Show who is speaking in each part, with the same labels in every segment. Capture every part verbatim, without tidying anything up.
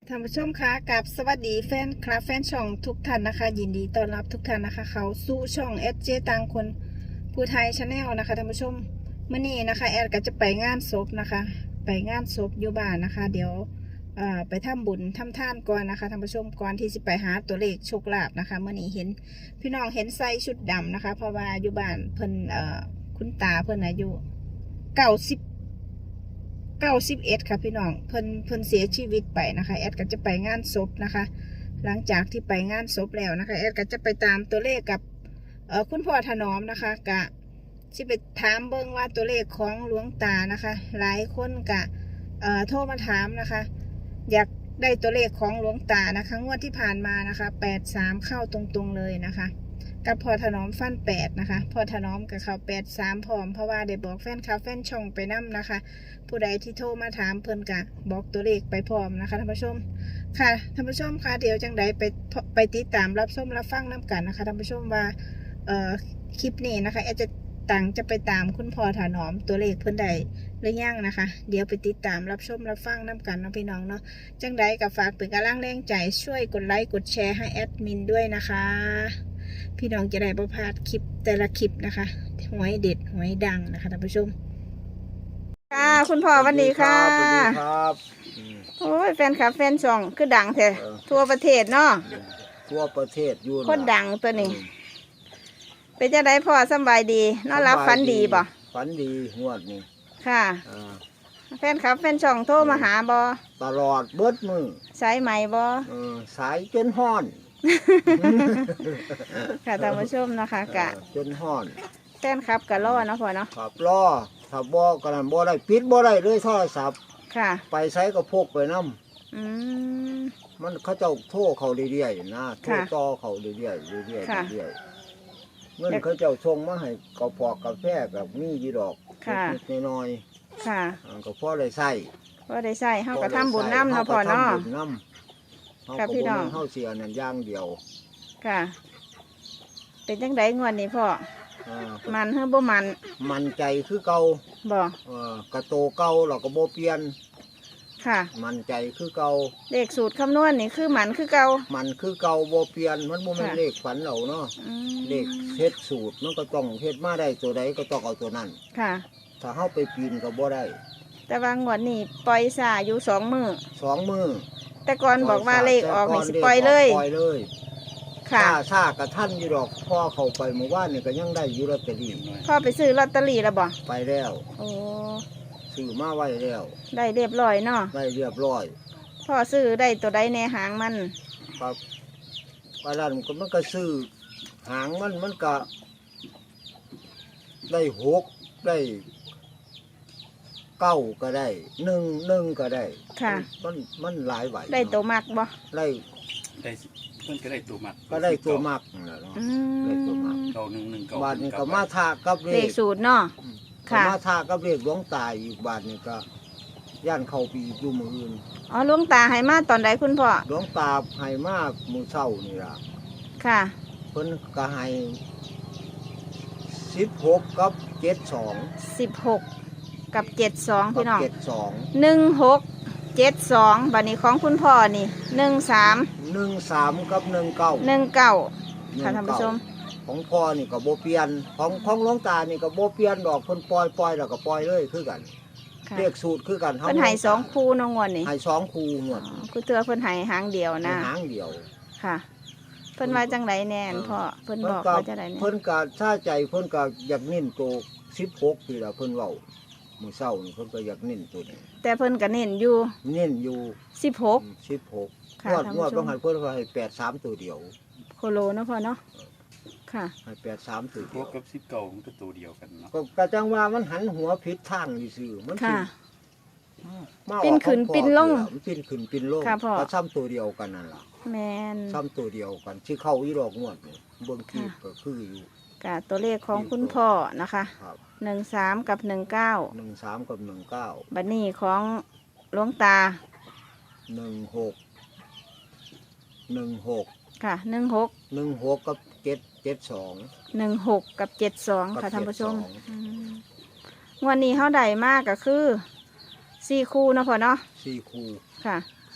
Speaker 1: ท่านผู้ชมคะกับสวัสดีแฟนคลับแฟนช่องทุกท่านนะคะ ยินดีต้อนรับทุกท่านนะคะเขาสู่ช่องเอสเจต่างคนผู้ไทยชาแนลนะคะท่านผู้ชมเมื่อนี้นะคะแอดก็จะไปงานศพนะคะ ไปงานศพอยู่บ้านนะคะ เดี๋ยวไปทำบุญทำทานก่อนนะคะท่านผู้ชมก่อนที่จะไปหาตัวเลขโชคลาภนะคะเมื่อนี้เห็นพี่น้องเห็นใส่ชุดดำนะคะ เพราะว่าอยู่บ้านเพิ่นคุณตาเพิ่นอายุเก้าสิบเก้าสิบเอ็ดค่ะพี่น้องเพิ่นเพิ่นเสียชีวิตไปนะคะแอดก็จะไปงานศพนะคะหลังจากที่ไปงานศพแล้วนะคะแอดก็จะไปตามตัวเลขกับเอ่อคุณพ่อถนอมนะคะกะที่ไปถามเบิ้งว่าตัวเลขของหลวงตานะคะหลายคนกะเอ่อโทรมาถามนะคะอยากได้ตัวเลขของหลวงตานะคะงวดที่ผ่านมานะคะแปดสามเข้าตรงๆเลยนะคะกับพ่อถนอมฟันแปดนะคะพ่อถนอมกับเขาแปดสามพร้อมเพราะว่าได้บอกแฟนคลับแฟนช่องไปนั่นะคะผู้ใดที่โทรมาถามเพิ่นกะบอกตัวเลขไปพร้อมนะคะท่านผู้ชมค่ะท่านผู้ชมค่ะเดี๋ยวจังใดไปไปติดตามรับชมรับฟังน้กันนะคะท่านผู้ชมว่าเอ่อคลิปนี้นะคะแอดจะต่างจะไปตามคุณพ่อถนอมตัวเลขเพิ่นใดหรือยังนะคะเดี๋ยวไปติดตามรับชมรับฟังน้กันนะพี่น้องเนาะจังใดกับฝากเป็นกำลังแรงใจช่วยกดไลค์กดแชร์ให้แอดมินด้วยนะคะพี่น้องจะได้ประพลาดคลิปแต่ละคลิปนะคะหวยเด็ดหวยดังนะคะท่านผู้ชมค่ะคุณพ่อวันนี้ค่ะ
Speaker 2: สวัสดีครับ
Speaker 1: โอ้ยแฟนคลับแฟนช่องคือดังแท้ทั่วประเทศเนาะ
Speaker 2: ทั่วประเทศอยู่
Speaker 1: คนดังตัวนี้เป็นจะได้พ่อสบายดีนอนรับฝันดีบ่
Speaker 2: ฝันดีงวดนี้
Speaker 1: ค่ะแฟนคลับแฟนช่องโทรมาหาบ่
Speaker 2: ตลอดเบิดมือ
Speaker 1: สายไหมบ่
Speaker 2: สายจนห้อน
Speaker 1: ค่ะท่านผู้ชมนะคะกะ
Speaker 2: จนห้อน
Speaker 1: แฟนคลับกะรอเนาะพ่อเนาะ
Speaker 2: ครับรอถ้าบ่กันบ่ได้ปิดบ่ได้เลยโทรศัพท์
Speaker 1: ค่ะ
Speaker 2: ไปใช้ก็พกไปน้
Speaker 1: ำอืม
Speaker 2: มันเขาเจ้าโทรเขาเรื่อยๆนะโทรต่อเขาเรื่อยๆเรื่อยๆเรื่อยๆเงินเขาเจ้าส่งมาให้กระพอกกาแฟกับมีกี่ดอกนิดน้อย
Speaker 1: ค่ะ
Speaker 2: ก็พอได้ใช้
Speaker 1: พอได้ใช้เฮาก็ทำบุญน้ำเนาะพ่อเนาะ
Speaker 2: ค่ะพี่น้องเฮาเสียนั่นอย่างเดียว
Speaker 1: ค่ะเป็นจังไดงวดนี้พ่อมันเฮาบ่มัน
Speaker 2: มันใจคือเก่า
Speaker 1: บ่
Speaker 2: เออกระโตเก่าเราก็บ่เปลี่ยน
Speaker 1: ค่ะ
Speaker 2: มันใจคือเก่า
Speaker 1: เลขสูตรคำนวณนี่คือมันคือเก่า
Speaker 2: มันคือเก่าบ่เปลี่ยนมันบ่แม่นเลขฝันเราเนาะเลขเฮ็ดสูตรมันก็ต้องเฮ็ดมาได้ตัวใดก็ต้องเอาตัวนั้น
Speaker 1: ค่ะ
Speaker 2: ถ้าเฮาไปปีนก็บ่ได้
Speaker 1: แต่ว่างวดนี้ปล่อยซาอยู่สองมื้อ
Speaker 2: สองมื้อ
Speaker 1: แต่ก่อนบอกว่าเลขออกนี่สิปล่อยเลย
Speaker 2: ปล่อยเลย
Speaker 1: ค่ะ
Speaker 2: ซากับท่านอยู่ดอกพ่อเข้าไปเมื่อวานนี่ก็ยังได้อยู่ลอตเตอรี่
Speaker 1: พ่อไปซื้อลอตเตอรี่แล้วบ่
Speaker 2: ไปแล้ว
Speaker 1: โอ้
Speaker 2: ซื้อมาไว้แล้ว
Speaker 1: ได้เรียบร้อยเนาะ
Speaker 2: ได้เรียบร้อย
Speaker 1: พ่อซื้อได้ตัวใดในหางมัน
Speaker 2: ครับว่าแล้วมันก็มันก็ซื้อหางมันมันก็ได้หกได้เก้าก็ได้หนึ่งหนึ่งก็ได้
Speaker 1: ค่ะ
Speaker 2: มันมันหลายใบ
Speaker 1: ได้ตัวมักบ่
Speaker 2: ได้
Speaker 3: ได้มันก็ได้ตัวมัก
Speaker 2: ก็ได้ตัวมักนั่นแหละเนาะได้ตัวมัก
Speaker 3: เก้าหนึ่งหนึ่งเก้า
Speaker 2: บาทนี้ก็มาทากับเลข
Speaker 1: สูตรเนาะ
Speaker 2: ค่ะมาทากับเลขหลวงตาอีกบาทนี้ก็ย่านเข้าปีอยู่มืออื่น
Speaker 1: อ๋อหลวงตาให้มาตอนใดคุณพ่อ
Speaker 2: หลวงตาให้มามื้อเช้านี่ล่ะ
Speaker 1: ค่ะ
Speaker 2: เพิ่นก็ให้สิบหกกับเจ็ดสอง
Speaker 1: สิบหกกับเจ็ดสองพี่น้อง
Speaker 2: เจ็ดสอง
Speaker 1: หนึ่งหกเจ็ดสองบัดนี้ของคุณพ่อนี่หนึ่งสาม
Speaker 2: หนึ่งสามกับหนึ่งเก้า
Speaker 1: หนึ่งเก้าค่ะท่านผู้ชม
Speaker 2: ของพ่อนี่ก็บ่เปลี่ยนของของหลวงตานี่ก็บ่เปลี่ยนดอกเพิ่นปล่อยปล่อยแล้วก็ปล่อยเลยคือกันเลขสูตรคือกัน
Speaker 1: เพิ่นให้สองคู่น้องงวดนี่
Speaker 2: ให้สองคู่งวด
Speaker 1: คือเตือเพิ่นให้หางเดียวนะ
Speaker 2: หางเดียว
Speaker 1: ค่ะเพิ่นว่าจังไดแน่นพ่อเพิ่นบอกว่าจังไดแน่
Speaker 2: เพิ่นก็ถ้าใจเพิ่นก็อยากเน้นโตสิบหกนี่ล่ะเพิ่นเว้ามื้อเช้านี่เพิ่นก็อยากเน้นตัวนี้
Speaker 1: แต่เพิ่นก็เน้นอยู่
Speaker 2: เน้นอยู่
Speaker 1: สิบหก
Speaker 2: สิบหกงวดงวดต้องหันเพิ่นก็ให้แปดสามตัวเดียว
Speaker 1: โคโลเนาะพ่อเนาะค่ะ
Speaker 2: ให้แปดสามตัวเดียว
Speaker 3: กับสิบเก้ามันก็ตัวเดียวกันเนาะ
Speaker 2: ก็จังว่ามันหันหัวผิดทางซื่อมัน
Speaker 1: ค่ะปิ้นขึ้นปิ้นลง
Speaker 2: ปิ้นขึ้นปิ้นลงก็ซ้ำตัวเดียวกันนั่นล่ะ
Speaker 1: แม่น
Speaker 2: ซ้ำตัวเดียวกันที่เข้าอีดอกงวดนี่เบิ่งคลิปก็คืออยู่
Speaker 1: กะตัวเลขของคุณพ่อนะคะหนึ่งสามกับหนึ่งเก้า
Speaker 2: หนึ่งสามกับหนึ่งเก้า
Speaker 1: บัดนี้ของหลวงตา
Speaker 2: หนึ่งหกหนึ่งหก
Speaker 1: ค่ะหนึ่งหก
Speaker 2: หนึ่งหกกับเจ็ดเจ็ดสอง
Speaker 1: หนึ่งหกกับเจ็ดสองค่ะท่านผู้ชมวันนี้เขาได้มากก็คือสี่คู่เนาะพ่อเนาะ
Speaker 2: สี่คู่
Speaker 1: ค่ะ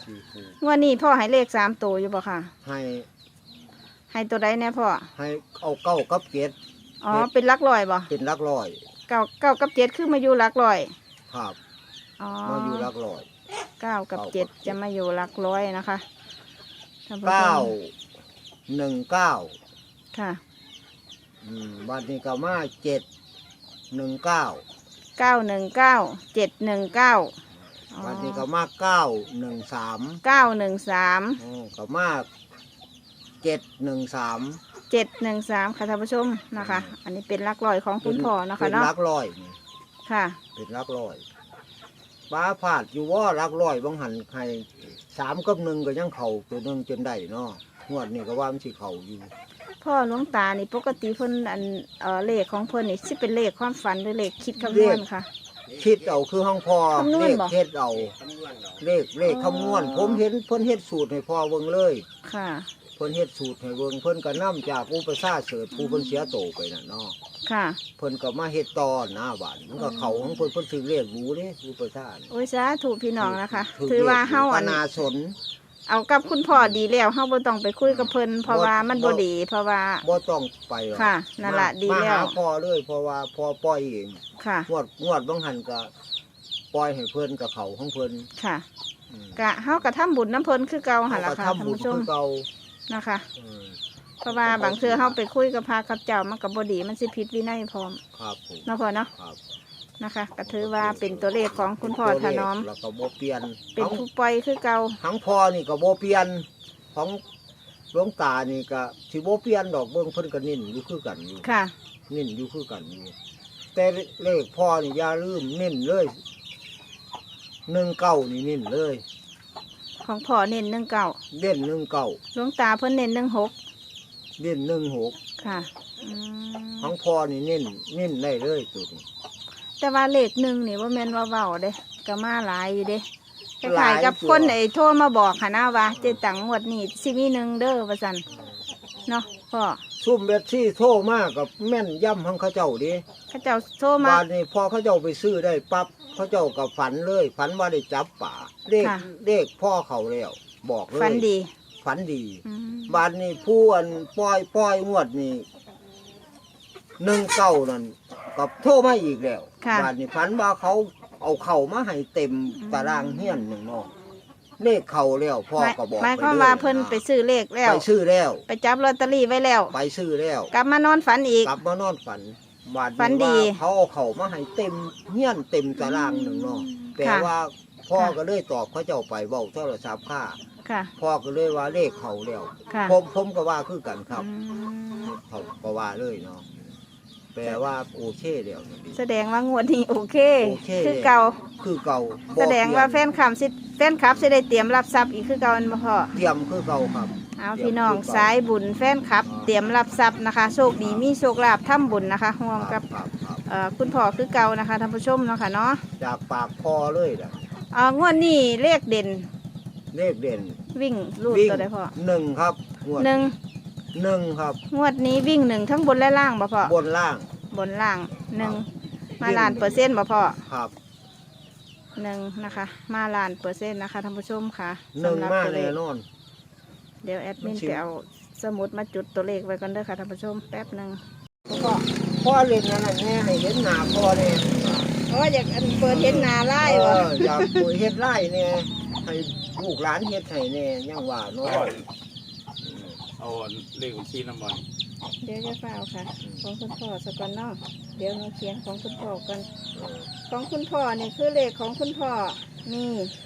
Speaker 2: สี่คู่
Speaker 1: งวดนี้พ่อให้เลขสามตัวอยู่บ่ค่ะ
Speaker 2: ให้
Speaker 1: ให้ตัวใดแน่พ่อ
Speaker 2: ให้เอาเก้ากับเจ็ด
Speaker 1: อ๋อเป็นหลักร้อยบ่
Speaker 2: เป็นหลักร้อย
Speaker 1: เก้าเก้ากับเจ็ดคือมาอยู่หลักร้อย
Speaker 2: ครับ
Speaker 1: อ๋อ
Speaker 2: มาอยู่หลักร้อย
Speaker 1: เก้ากับเจ็ดจะมาอยู่หลักร้อยนะคะท่านผู้ชม
Speaker 2: เก้าหนึ่งเก้า
Speaker 1: ค่ะ
Speaker 2: อืมบัดนี้ก็มาเจ็ดหนึ่งเก้า
Speaker 1: เก้าหนึ่งเก้าเจ็ดหนึ่งเก้า
Speaker 2: บัดนี้ก็มาเก้าหนึ่งสาม
Speaker 1: เก้าหนึ่งสาม
Speaker 2: อ๋อก็มาเจ็ดหนึ่งสาม
Speaker 1: เจ็ดหนึ่งสามค่ะท่านผู้ชมนะคะ อันนี้เป็นหลักร้อยของคุณพ่อนะคะ
Speaker 2: เป็น
Speaker 1: เนาะ
Speaker 2: หลักร้อยนี่
Speaker 1: ค่ะ
Speaker 2: เป็นหลักร้อยป้าผาดอยู่ว่าหลักร้อยบางหันให้สามกับหนึ่งก็ยังเข่าตัวหนึ่งจนได้เนาะงวดนี่ก็ว่ามันสิเข่าอยู่
Speaker 1: พ่อหลวงตานี่ปกติเพิ่นอันเอ่อเลขของเพิ่นนี่สิเป็นเลขความฝันหรือเลขคิดคำนวณค่ะ
Speaker 2: คิดเอาคือห้องพอ
Speaker 1: คำนว
Speaker 2: เล
Speaker 1: ณ
Speaker 2: ข
Speaker 1: บ่
Speaker 2: เฮ็ดเอาเลขเลข
Speaker 1: อ๋อ
Speaker 2: คำนวณผมเห็นเพิ่นเฮ็ดสูตรให้พ่อเบิ่งเลย
Speaker 1: ค่ะ
Speaker 2: เพิ่นเฮ็ดสูตรให้เบิ่งเพิ่นก็นํจากอุปสาเสริฐผู้เพิ่นเสียโตไปน่ะเนาะ
Speaker 1: ค่ะ
Speaker 2: เพิ่นก็มาเฮ็ดต่อหน้าบ้านมันก็เข้าของเพิ่นเพิ่นถือเลขรู้เด้อุปสาน่ะ
Speaker 1: โอ้ยสาถูกพี่น้องนะคะ
Speaker 2: ถื
Speaker 1: ถือว่าเฮา
Speaker 2: ป
Speaker 1: อัน
Speaker 2: นาสน
Speaker 1: เอากับคุณพ่อดีแล้วเฮาบ่ต้องไปคุยกับเพิ่นเพราะว่ามันบ่ดี เพราะว่า
Speaker 2: บ่ต้องไปหรอก
Speaker 1: ค่ะนั่นล่ะดี
Speaker 2: มา
Speaker 1: แล้ว
Speaker 2: หาพ่อเลยเพราะว่าพ่อปล่อยเอง
Speaker 1: ค่ะ
Speaker 2: งวดงวดบางหันก็ปล่อยให้เพิ่นกับเขาของเพิ่น
Speaker 1: ค่ะ
Speaker 2: อืม
Speaker 1: กะเฮาก็ทำบุญน้ำเพิ่นคือเก่าหั่นล่ะ
Speaker 2: เขาก็
Speaker 1: ค่ะท่าน
Speaker 2: ทำบุญ
Speaker 1: ผู้ชม
Speaker 2: คือเก่า
Speaker 1: นะคะ
Speaker 2: อืม
Speaker 1: เพราะว่าบางเทื่อเฮาไปคุยกับพระกับเจ้ามันก็บ่ดีมันสิผิดวินัยพร้อม
Speaker 2: ครับผม
Speaker 1: เนาะพ่อเนาะ
Speaker 2: ครับ
Speaker 1: นะคะก็ถือว่าเป็นตัวเลขของคุณพ่อถนอม
Speaker 2: แล้วก็บ่เปลี่ยน
Speaker 1: เป็น
Speaker 2: ทั้ง
Speaker 1: ผู้ปล่อยคือเก่า
Speaker 2: ทั้งพ่อนี่ก็บ่เปลี่ยนของหลวงตานี่ก็สิบ่เปลี่ยนดอกเบิ่งเพิ่นก็นิ่นอยู่คือกันอยู่
Speaker 1: ค่ะ
Speaker 2: นิ่นอยู่คือกันอยู่แต่เลขพ่อนี่อย่าลืมนิ่นเลยหนึ่งเก้านี่นิ่นเลย
Speaker 1: ของพ่อเน้นหนึ่งเก้า
Speaker 2: เด่นหนึ่งเก้า
Speaker 1: หลวงตาเพิ่นเน้นหนึ่งหก
Speaker 2: เด่นหนึ่งหก
Speaker 1: ค่ะอืม
Speaker 2: ของพ่อนี่นิ่นนิ่นได้เลยตัวนี้
Speaker 1: แต่ว่าเลขหนึ่งนี่ว่าแม่นว่าเบาเด้ก็มาหลายอยู่เด้ค
Speaker 2: หลา
Speaker 1: ล้าย
Speaker 2: ย
Speaker 1: ๆกับ
Speaker 2: ตัว
Speaker 1: คนไอ้โทรมาบอกค่ะนะว่าเจตังงวดนี้สิมีหนึ่งเด้อว่าซั่นเนาะพ่อ
Speaker 2: ซุ่มเบ็ดที่โทรมากกับแม่นย่ำของเขาเจ้าดิ
Speaker 1: เขาเจ้าโทรมา
Speaker 2: บ้านนี้พอเขาเจ้าไปซื้อได้ปั๊บเขาเจ้ากับฝันเลย ฝันว่าได้จับป่าเลข
Speaker 1: ค่ะ
Speaker 2: เลขพ่อเขาแล้ว บอกเลย
Speaker 1: ฝันดี
Speaker 2: ฝันดี
Speaker 1: อืม
Speaker 2: บ้านนี้ผู้อันปล่อยปล่อยงวดนี่หนึ่งเก้านั่นกับโทรมาอีกแล้ว
Speaker 1: ค่ะ
Speaker 2: บ้านนี้ฝันว่าเขาเอาเข่ามาให้เต็ม
Speaker 1: อืม
Speaker 2: ตารางเฮียนหนึ่งเนาะเลขเข่าแล้วพ่อ
Speaker 1: หมาย
Speaker 2: ก็บอก
Speaker 1: หมาย
Speaker 2: ไป
Speaker 1: ความ
Speaker 2: เลย
Speaker 1: ว่าเพิ่นไปซื้อเลขแล้ว
Speaker 2: ไปซื้อแล้ว
Speaker 1: ไปจับลอตเตอรี่ไว้แล้ว
Speaker 2: ไปซื้อแล้ว
Speaker 1: กลับมานอนฝันอีก
Speaker 2: กลับมานอนฝันบาด
Speaker 1: ฝันดี
Speaker 2: ว่าเขาเอาเขามาให้เต็มเฮี้ยนเต็มตารางหนึ่งเนาะแต่
Speaker 1: ค่ะ
Speaker 2: ว่าพ่อ
Speaker 1: ค่ะ
Speaker 2: ก็เลยตอบเขาเจ้าไปเบาโทรศัพท์ค่า
Speaker 1: ค่ะ
Speaker 2: พ่อก็เลยว่าเลขเขาแล้ว
Speaker 1: ค่ะ
Speaker 2: ผมผมก็ว่าคือกันครับ
Speaker 1: อืม
Speaker 2: เขาก็ว่าเลยเนาะแปลว่าโอเคเดียวนี่
Speaker 1: แสดงว่างวดนี้โอเค
Speaker 2: โอเค
Speaker 1: คือเก่า
Speaker 2: คือเก่าบ่
Speaker 1: แสดงว่าแฟ
Speaker 2: เปลี่ย
Speaker 1: นคลับสิแฟนคลับสิได้เตรียมรับทรัพย์อีกคือเก่าอันบ่พ่อ
Speaker 2: เตรียมคือเก่าครับ
Speaker 1: เอา
Speaker 2: เตรียม
Speaker 1: พี่น้อง
Speaker 2: คือเก่า
Speaker 1: สายบุญแฟนคลับ
Speaker 2: อ่า
Speaker 1: เตรียมรับทรัพย์นะคะ โชคดีมีโชคลาภทำบุญนะคะร่วมกับ
Speaker 2: ครับครับ
Speaker 1: เอ่อคุณพ่อคือเก่านะคะท่านผู้ชมเนาะค่ะเนาะ
Speaker 2: จากปากพ่อเลยนะ
Speaker 1: เอ่องวดนี้เลขเด่น
Speaker 2: เลขเด่น
Speaker 1: วิ่งรูด
Speaker 2: วิ่ง
Speaker 1: ตัวใดพ่อ
Speaker 2: หนึ่งครับงวด
Speaker 1: หนึ่ง
Speaker 2: หนึ่งครับ
Speaker 1: งวดนี้วิ่งหนึ่งทั้งบนและล่างบ่พ่อบ
Speaker 2: นล่าง
Speaker 1: บนล่างหนึ่ง
Speaker 2: ครับ
Speaker 1: มาล้านเปอร์เซ็นต์บ่พ่อ
Speaker 2: ครับ
Speaker 1: หนึ่งนะคะ มาล้านเปอร์เซ็นต์นะคะท่านผู้ชมค่ะ
Speaker 2: หนึ่ง
Speaker 1: สำหรับ
Speaker 2: มา
Speaker 1: ตัวเล
Speaker 2: แน่
Speaker 1: ข
Speaker 2: นอน
Speaker 1: เดี๋ยวแอดมิน
Speaker 2: มันสิ
Speaker 1: ไปเอาสมุดมาจุดตัวเลขไว้ก่อนเด้อค่ะท่านผู้ชมแป๊บหนึ่งพ่อ
Speaker 2: พ่อเล่นนั่นน่ะแน่ให้เห็นหน้าพ่อแน่
Speaker 1: อ๋ออยากอันเปิดเห็นหน้าไล่
Speaker 2: เอ
Speaker 1: วะ
Speaker 2: ออยากมือเฮ็ดไร่แน่ให้ลูกหลานเฮ็ดให้แน่ยังว่าเนาะ
Speaker 3: เอาเลขบัญชีน้ำมัน
Speaker 1: เดี๋ยวจะเฝ้าค่ะ ของคุณพ่อสกอนเนอกเดี๋ยวเราเขียนของคุณพ่อกัน
Speaker 2: เออ
Speaker 1: ของคุณพ่อนี่คือเลขของคุณพ่อมี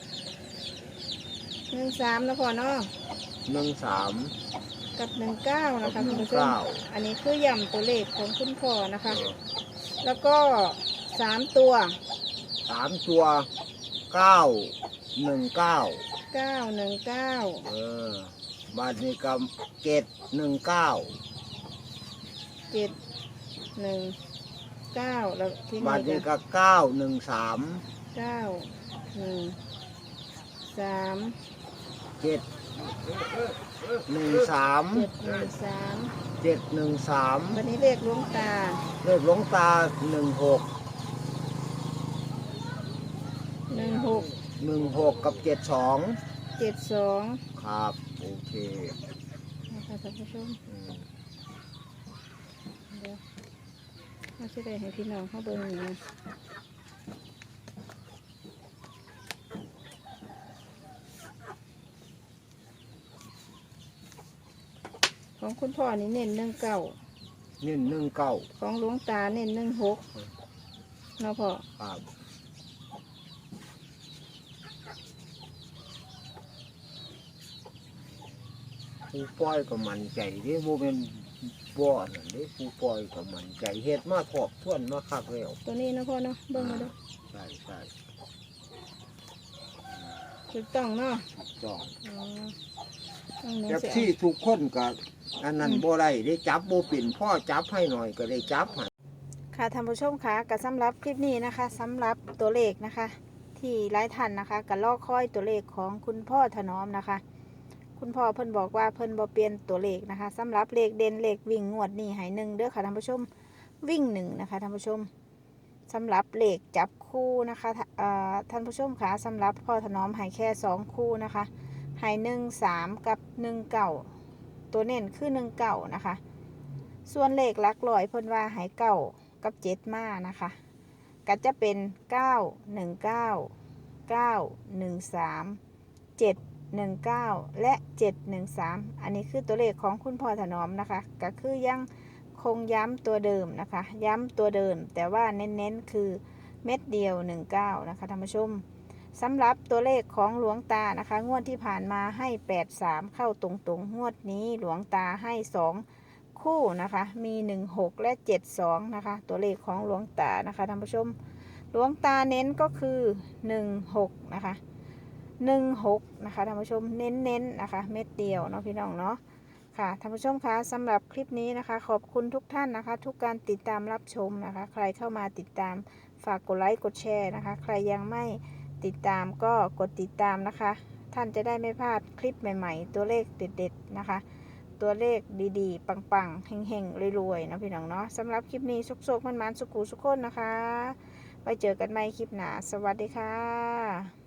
Speaker 1: หนึ่งสามนะพ่อเนาะ
Speaker 2: หนึ่งสาม
Speaker 1: กับหนึ่งเก้านะคะ
Speaker 2: หนึ่
Speaker 1: คุณ
Speaker 2: ง
Speaker 1: ผู้ชม
Speaker 2: เก้า
Speaker 1: อันนี้คือย่ำตัวเลขของคุณพ่อนะคะ
Speaker 2: เออ
Speaker 1: แล้วก็สามตัว
Speaker 2: สามตัวเก้าหนึ่งเก้า
Speaker 1: เก้าหนึ่งเก้า
Speaker 2: เออ บาทนี้ก็เจ็ดหนึ่งเก้า
Speaker 1: เจ็ดหนึ่งเก้าแล้วที่
Speaker 2: บาท
Speaker 1: นี่
Speaker 2: นี้
Speaker 1: ก็
Speaker 2: ก็เก้าหนึ่งสาม
Speaker 1: เก้าหนึ่งสาม
Speaker 2: เจ็ดหนึ่งสาม
Speaker 1: เจ็ดหนึ่งสาม
Speaker 2: เจ็ดหนึ่งสาม
Speaker 1: วันนี้เลขหลวงตา
Speaker 2: เลขหลวงตาหนึ่งหก
Speaker 1: หนึ่งหก
Speaker 2: หนึ่งหกกับเจ็ดสอง
Speaker 1: เจ็ดสอง
Speaker 2: ครับโอเค
Speaker 1: นะคะท่านผู้ชม
Speaker 2: อืม
Speaker 1: เดี๋ยวเราจะได้ให้พี่น้องเขาเบิ่งอยู่ของคุณพ่อนี่เน้นหนึ่งเก้า
Speaker 2: เน้นหนึ่งเก้า
Speaker 1: ของหลวงตาเน้นหนึ่งหกเนาะพ่อ
Speaker 2: ครับผู้ปล่อยก็มั่นใจเด้โมเป็นบ่อนั่นเด้ผู้ปล่อยก็มั่นใจเฮ็ดมาทบทวนมาคักแล้ว
Speaker 1: ตัวนี้เนาะพ่อเนาะเบิ่งมาดู
Speaker 2: ใช่ใช่
Speaker 1: ถูกต้องเนาะ
Speaker 2: ถูกต้อง
Speaker 1: อ๋อต้องหนู
Speaker 2: เจ็บ
Speaker 1: สิเอา
Speaker 2: ที่ทุกคนก็อันนั้นบ่ได้ได้จับบ่เป็นพ่อจับให้หน่อยก็ได้จับให้
Speaker 1: ค่ะท่านผู้ชมคะกับสำหรับคลิปนี้นะคะสำหรับตัวเลขนะคะ ที่หลายท่านนะคะกับลอกค่อยตัวเลขของคุณพ่อถนอมนะคะ คุณพ่อเพิ่นบอกว่าเพิ่นบ่เปลี่ยนตัวเลขนะคะสำหรับเลขเด่นเลขวิ่งงวดนี้ให้หนึ่งเด้อค่ะท่านผู้ชมวิ่งหนึ่งนะคะท่านผู้ชมสำหรับเลขจับคู่นะคะเอ่อท่านผู้ชมคะสำหรับพ่อถนอมให้แค่สองคู่นะคะให้หนึ่งสามกับหนึ่งเก้าตัวเน้นคือหนึ่งเก้านะคะ ส่วนเลขหลักร้อยเพิ่นว่าให้เก้ากับเจ็ดมานะคะก็จะเป็นเก้าหนึ่งเก้าเก้าหนึ่งสามเจ็ดหนึ่งเก้าและเจ็ดหนึ่งสามอันนี้คือตัวเลขของคุณพ่อถนอมนะคะก็คือยังคงย้ำตัวเดิมนะคะย้ำตัวเดิมแต่ว่าเน้นๆคือเม็ดเดียวหนึ่งเก้านะคะท่านผู้ชมสำหรับตัวเลขของหลวงตานะคะงวดที่ผ่านมาให้แปดสามเข้าตรงๆงวดนี้หลวงตาให้สองคู่นะคะมีหนึ่งหกและเจ็ดสองนะคะตัวเลขของหลวงตานะคะท่านผู้ชมหลวงตาเน้นก็คือหนึ่งหกนะคะหนึ่งหกนะคะท่านผู้ชมเน้นๆนนะคะเม็ดเดียวเนาะพี่น้องเนาะค่ะท่านผู้ชมคะสำหรับคลิปนี้นะคะขอบคุณทุกท่านนะคะทุกการติดตามรับชมนะคะใครเข้ามาติดตามฝากกดไลค์กดแชร์นะคะใครยังไม่ติดตามก็กดติดตามนะคะท่านจะได้ไม่พลาดคลิปใหม่ๆตัวเลขเด็ดๆนะคะตัวเลขดีๆปังๆเฮงๆรวยๆนะพี่น้องเนาะสำหรับคลิปนี้สุกๆมันๆสุขุสุขคนนะคะไว้เจอกันใหม่คลิปหน้าสวัสดีค่ะ